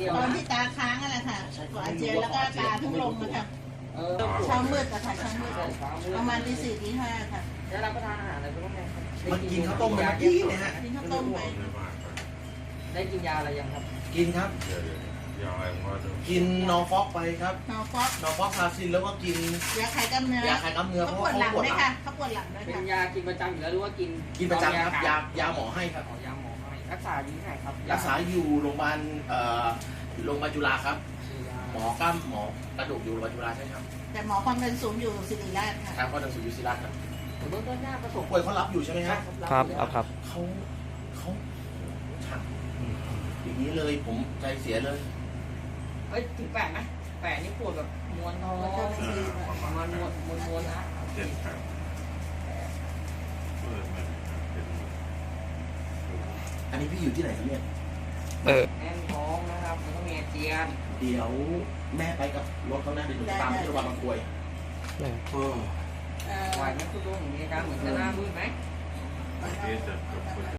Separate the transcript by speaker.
Speaker 1: ตอนที่ตาค้างอะไรค่ะตัวอาเจียนแล้วก็ตาทุ่งลงนะคะเช้ามืดอะค่ะเช้ามืดประมาณตี 4 ตี 5ค่ะ
Speaker 2: แล้วรับประทานอาหารอะไรบ้างไหมครับ
Speaker 3: มันกินข้าวต้มไปเมื่อกี้เนี่ยฮะ
Speaker 1: กินข้าวต้มไป
Speaker 2: ได้กินยาอะไรยังครับ
Speaker 3: กินครับกินนอร์ฟอกไปครับ
Speaker 1: นอร์ฟอก
Speaker 3: พาซินแล้วก็กิน
Speaker 1: ยาคลายกล้ามเนื้อย
Speaker 3: าคลายกล้ามเนื้อ
Speaker 1: เขาปวดหลังด้วยค่ะเขาปวดหลังด้วย
Speaker 2: เป็น
Speaker 1: ค่ะ
Speaker 2: ยากินประจำอยู่แล้วหรือว่ากิน
Speaker 3: ประจำครับยาหมอให้ครับ
Speaker 2: ยาหมอให้รักษาอยู่ที่ไหนครับ
Speaker 3: รักษาอยู่โรงพยาบาลจุฬาครับหมอกล้ามหมอกระดูกอยู่โรงพยาบาลจุฬาใช่ครับ
Speaker 1: แต่หมอความดันสูงอยู่ศิริราชค่ะ
Speaker 3: ครับก็ดังสุดอยู่ศิริราชครับ
Speaker 2: เบื้องต้นหน้าประสบ
Speaker 3: ป่วยเขารับอยู่ใช่ไหมครับ
Speaker 4: ครับ
Speaker 3: เขาฉักอย่างนี้เลยผมใจเสียเลย
Speaker 2: เฮ้ยถึงแปะไหมแปะนี่ปวดแบบม้วนท้องม้วนนะ
Speaker 5: เจ็บครับ
Speaker 3: อันนี้พี่อยู่ที่ไหนครับเนี่ย
Speaker 2: แน่นท้องนะครับมันต้องมีอาเจียน
Speaker 3: เดี๋ยวแม่ไปกับรถเขานะเดี๋ยวหนูตามที่โรงพยาบาลบางกรวย
Speaker 2: ไหวไหมคุณลุงมีอาการเหมือนจะหน้ามืดไหม